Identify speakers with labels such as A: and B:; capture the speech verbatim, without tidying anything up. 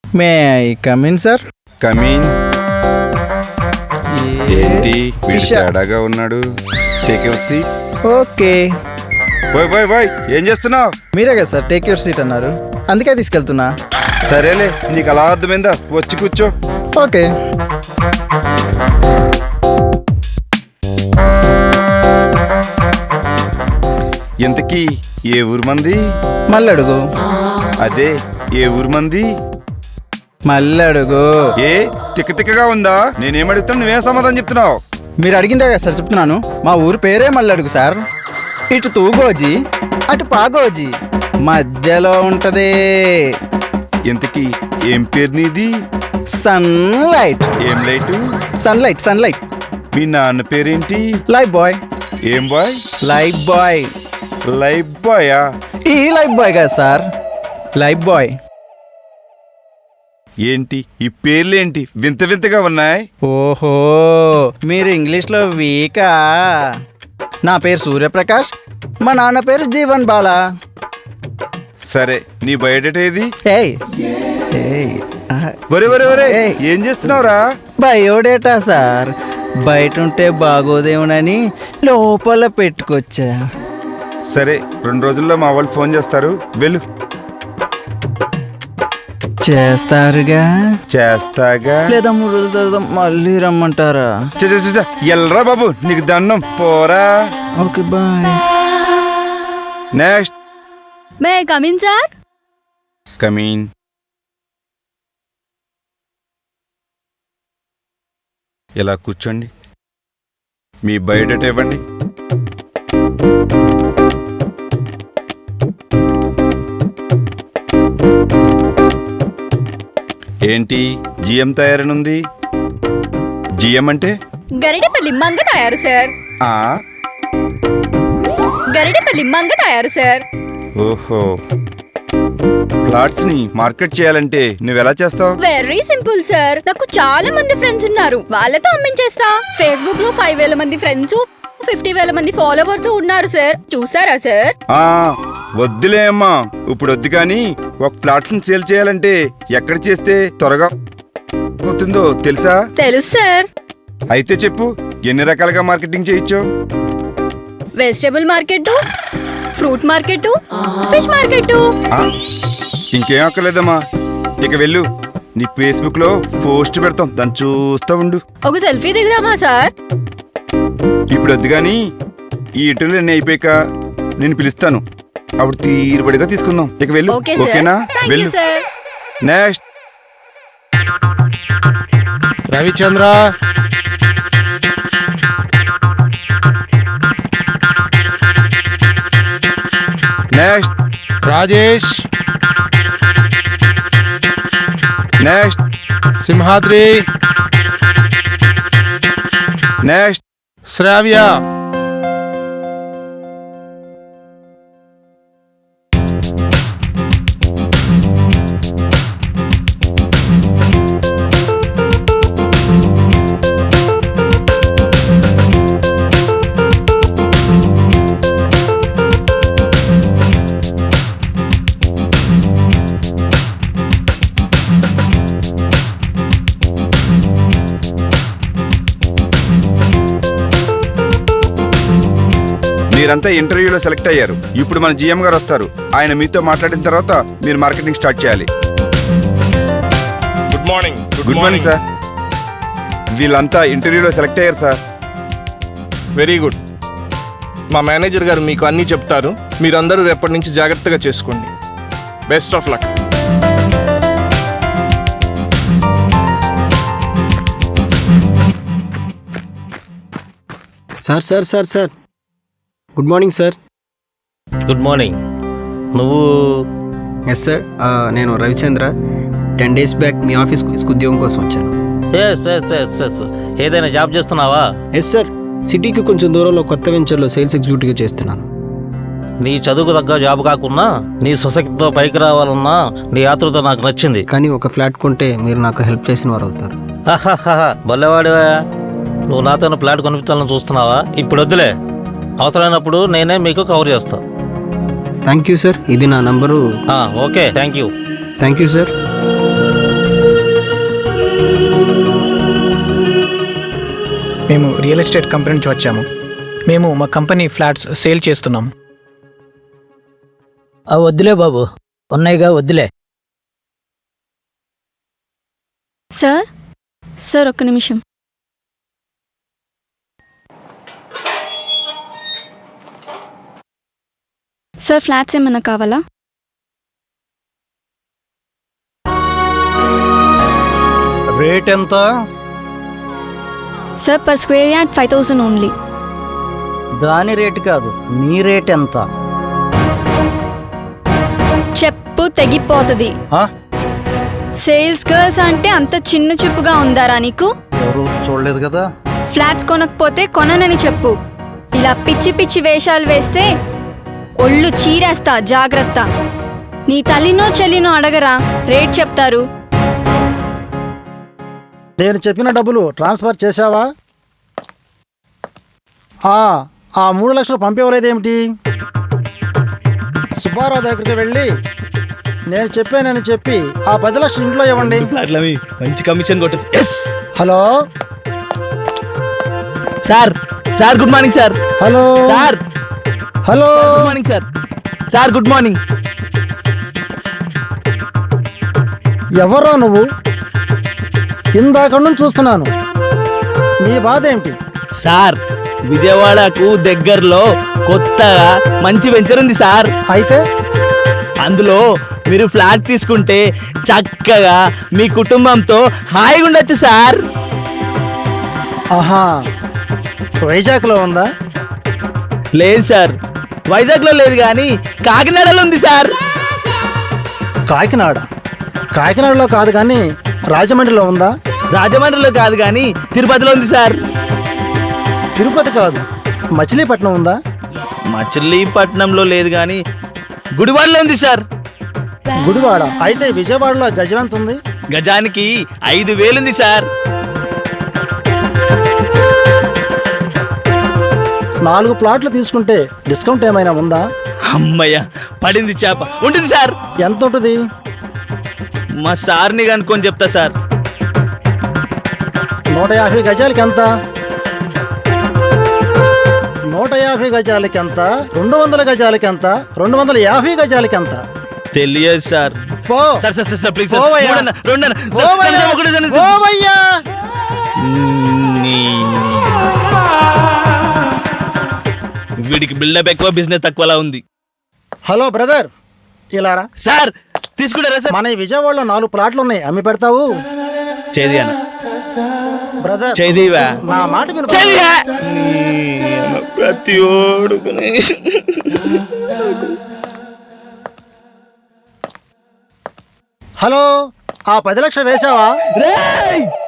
A: May I come in sir?
B: Come in. ఏంటి వీడు తేడాగా ఉన్నాడు? Take your seat.
A: Okay.
B: Boy boy boy ఏం చేస్తున్నావు?
A: మీరే కదా సార్ టేక్ యువర్ సీట్ అన్నారు, అందుకే తీసుకెళ్తున్నా.
B: సరేలే, నీకు అలా అర్థమైందా? వచ్చి కూర్చో.
A: ఓకే.
B: ఇంతకీ ఏ ఊరు మంది?
A: మళ్ళీ అడుగు.
B: అదే ఏ ఊరు మంది?
A: మళ్ళీ అడుగు.
B: ఏ తిక్క తిక్కగా ఉందా? నేనేం అడుగుతాను, నువ్వేం సమాధానం చెప్తున్నావు?
A: మీరు అడిగిందే కదా సార్ చెప్తున్నాను. మా ఊరు పేరే మళ్ళీ అడుగు సార్. ఇటు తూగోజీ అటు పాగోజీ మధ్యలో ఉంటది.
B: ఇంతకీ ఏం పేరు నీది?
A: సన్లైట్.
B: ఏం లైట్?
A: Sunlight sunlight.
B: మీ నాన్న పేరేంటి?
A: Lifebuoy.
B: ఏం బాయ్?
A: Lifebuoy.
B: లైఫ్ బాయా?
A: ఈ లైఫ్ బాయ్ కదా సార్, లైఫ్ బాయ్.
B: ఏంటి ఈ పేర్లేంటి వింత వింతగా ఉన్నాయి?
A: ఓహో, మీరు ఇంగ్లీష్లో వీకా. నా పేరు సూర్యప్రకాష్, మా నాన్న పేరు జీవన్ బాలా.
B: సరే, నీ బయోడేటా ఏది?
A: ఏయ్ ఏయ్
B: ఒరే ఒరే ఒరే
A: ఏయ్.
B: ఏం చేస్తున్నావురా?
A: బయోడేటా సార్, బయట ఉంటే బాగోదేమోనని లోపల పెట్టుకొచ్చా.
B: సరే, రెండు రోజుల్లో మా వాళ్ళు ఫోన్ చేస్తారు, వెళ్ళు.
A: చేస్తారుగా?
B: చేస్తాగా.
A: లేదా మూడు రోజుల తర్వాత మళ్ళీ రమ్మంటారా?
B: చ చ చ చ, ఎల్రా బాబు, నీకు దండం, పోరా.
A: Okay bye.
B: Next.
C: May I come in sir?
B: Come in. ఇలా కూర్చోండి. మీ బయోడేటా ఇవ్వండి. ఏంటి జిఎం తయారనుంది? జిఎం అంటే?
C: గరిడెపల్లి మంగ తయారు సార్.
B: ఆ
C: గరిడెపల్లి మంగ తయారు సార్.
B: ఓహో, ప్లాట్స్ ని మార్కెట్ చేయాలంటే నువ్వెలా చేస్తావు?
C: Very simple sir. నాకు చాలా మంది ఫ్రెండ్స్ ఉన్నారు, వాళ్ళతో అమ్మించేస్తా. ఫేస్బుక్ లో ఫైవ్ వేల మంది ఫ్రెండ్స్, ఫిఫ్టీ వేల మంది ఫాలోవర్స్ ఉన్నారు సార్. చూసారా సార్?
B: ఆ వద్దులే అమ్మా, ఇప్పుడు వద్దు. కానీ ఒక ఫ్లాట్స్ ని సేల్ చేయాలంటే ఎక్కడ చేస్తే త్వరగా అవుతుందో తెలుసా?
C: తెలుసు సార్.
B: అయితే చెప్పు, ఎన్ని రకాలుగా మార్కెటింగ్ చేయొచ్చు?
C: Vegetable market, fruit market, fish market.
B: ఇంకేం అక్కర్లేదమ్మా, ఇక వెళ్ళు. నీ ఫేస్బుక్ లో పోస్ట్ పెడతాం, దాన్ని చూస్తా ఉండు.
C: ఒక సెల్ఫీ దిగుదామా సార్?
B: ఇప్పుడు వద్దు కానీ ఈ ఇంటర్వ్యూలు అన్నీ అయిపోయాక నేను పిలుస్తాను, అప్పుడు తీరుబడిగా తీసుకుందాం. ఇక వెళ్ళు.
C: Okay sir.
B: ఓకేనా?
C: థాంక్యూ
B: వెళ్ళు.
C: Sir.
B: Next.
D: Ravichandra.
B: Next.
D: Rajesh.
B: Next.
D: Simhadri.
B: Next.
D: Sravya.
B: మీరంతా ఇంటర్వ్యూలో సెలెక్ట్ అయ్యారు. ఇప్పుడు మన జిఎం గారు వస్తారు. ఆయన మీతో మాట్లాడిన తర్వాత మీరు మార్కెటింగ్ స్టార్ట్ చేయాలి.
E: Good morning.
B: Good morning sir. వీళ్ళంతా ఇంటర్వ్యూలో సెలెక్ట్ అయ్యారు సార్.
E: Very good. మా మేనేజర్ గారు మీకు అన్నీ చెప్తారు. మీరందరూ రేపటి నుంచి జాగ్రత్తగా చేసుకోండి. Best of luck.
F: Sir sir sir sir good morning sir.
G: Good morning. నువ్వు?
F: ఎస్ సార్, నేను రవిచంద్ర. టెన్ డేస్ బ్యాక్ మీ ఆఫీస్కి ఉద్యోగం కోసం వచ్చాను.
G: ఎస్ ఎస్ ఎస్ ఎస్ ఏదైనా జాబ్ చేస్తున్నావా?
F: ఎస్ సార్, సిటీకి కొంచెం దూరంలో కొత్త వెంచర్లో సేల్స్ ఎగ్జిక్యూటివ్గా చేస్తున్నాను.
G: నీ చదువుకు తగ్గ జాబ్ కాకున్నా నీ స్వశక్తితో పైకి రావాలన్నా నీ ఆతృత నాకు నచ్చింది.
F: కానీ ఒక ఫ్లాట్ కొంటే మీరు నాకు హెల్ప్ చేసిన వారు అవుతారు.
G: బల్లెవాడివా నువ్వు. నాతో ఫ్లాట్ కొనిపించాలని చూస్తున్నావా? ఇప్పుడు వద్దులే, అవసరమైనప్పుడు నేనే మీకు కవర్ చేస్తా.
F: Thank you sir. ఇది నా number.
G: Okay, thank you.
F: Thank you sir.
H: మేము రియల్ ఎస్టేట్ కంపెనీ నుంచి వచ్చాము. మేము మా కంపెనీ ఫ్లాట్స్ సేల్ చేస్తున్నాము.
I: ఆ వద్దులే బాబు, ఉన్నాయిగా వద్దులే.
C: సార్ సార్ ఒక్క నిమిషం. సార్ ఫ్లాట్స్ ఏమైనా కావాలా?
J: రేట్ ఎంత?
C: Sir per square yard five thousand only.
J: దాని రేటు కాదు, నీ రేట్ ఎంత?
C: చెప్పు తెగిపోతుంది.
J: ఆ?
C: సేల్స్ గర్ల్స్ అంటే అంత చిన్న చెప్పుగా ఉందారా నీకు?
J: ఎవరు చూడలేదు కదా.
C: ఫ్లాట్స్ కొనకపోతే కొననని చెప్పు. ఇలా పిచ్చి పిచ్చి వేషాలు వేస్తే ఒళ్ళు చీరేస్తా, జాగ్రత్త. నీ తల్లినో చెల్లినో అడగరా, రేట్ చెప్తారు.
J: నేను చెప్పిన డబ్బులు ట్రాన్స్ఫర్ చేశావా? ఆ ఆ మూడు లక్షలు పంపేవలేదేమిటి? సుబ్బారావు దగ్గరికి వెళ్ళి నేను చెప్పానని చెప్పి ఆ పది లక్షలు ఇంట్లో ఇవ్వండి.
E: మంచి కమిషన్ కొట్టదు.
J: Hello
A: sir sir good morning sir.
J: Hello
A: sir
J: hello
A: good morning sir. Sir good morning.
J: ఎవరా నువ్వు? ఇందాక నుంచి చూస్తున్నాను. నీ బాధ ఏమిటి?
A: సార్ విజయవాడకు దగ్గరలో కొత్తగా మంచి వెంచర్ ఉంది సార్.
J: అయితే
A: అందులో మీరు ఫ్లాట్ తీసుకుంటే చక్కగా మీ కుటుంబంతో హాయిగా ఉండొచ్చు సార్.
J: ఆహా, వైజాగ్లో ఉందా?
A: లేదు సార్, వైజాగ్లో లేదు కానీ కాకినాడలో ఉంది సార్.
J: కాకినాడ కాకినాడలో కాదు కానీ రాజమండ్రిలో ఉందా?
A: రాజమండ్రిలో కాదు కానీ తిరుపతిలో ఉంది సార్.
J: తిరుపతి కాదు, మచిలీపట్నం ఉందా?
A: మచిలీపట్నంలో లేదు కానీ గుడివాడలో ఉంది సార్.
J: గుడివాడ అయితే విజయవాడలో గజం ఎంత ఉంది?
A: గజానికి ఐదు వేలుంది సార్.
J: నాలుగు ప్లాట్లు తీసుకుంటే డిస్కౌంట్ ఏమైనా ఉందా?
A: అమ్మయ్య పడింది చేప. ఉంటుంది సార్.
J: ఎంత ఉంటుంది?
A: మా సార్ని కనుక్కొని చెప్తా సార్.
J: నూట యాభై గజాలకి ఎంత? నూట యాభై గజాలకి ఎంత? రెండు వందల గజాలకి ఎంత? రెండు వందల యాభై గజాలకి ఎంత?
A: తెలియదు సార్.
J: పో
A: sir sir sir please sir.
J: పోవయ్యా.
A: మూడన్న, రెండన్న, సార్,
J: పోవయ్యా.
A: కనీసం ఒకటే సార్.
J: పోవయ్యా.
A: నీ- వీడికి బిల్డప్ ఎక్కువ, బిజినెస్ తక్కువలా ఉంది.
J: హలో బ్రదర్, ఇలా రా.
A: సార్ తీసుకుంటారా సార్?
J: మన ఈ విజయవాడలో నాలుగు ప్లాట్లు ఉన్నాయి, అమ్మి పెడతావు?
A: చేది అన్న
J: బ్రదర్
A: చేదివా
J: నా మాట విను.
A: చేదివా ప్రతి ఓడు.
J: హలో, ఆ పది లక్షలు వేసావా?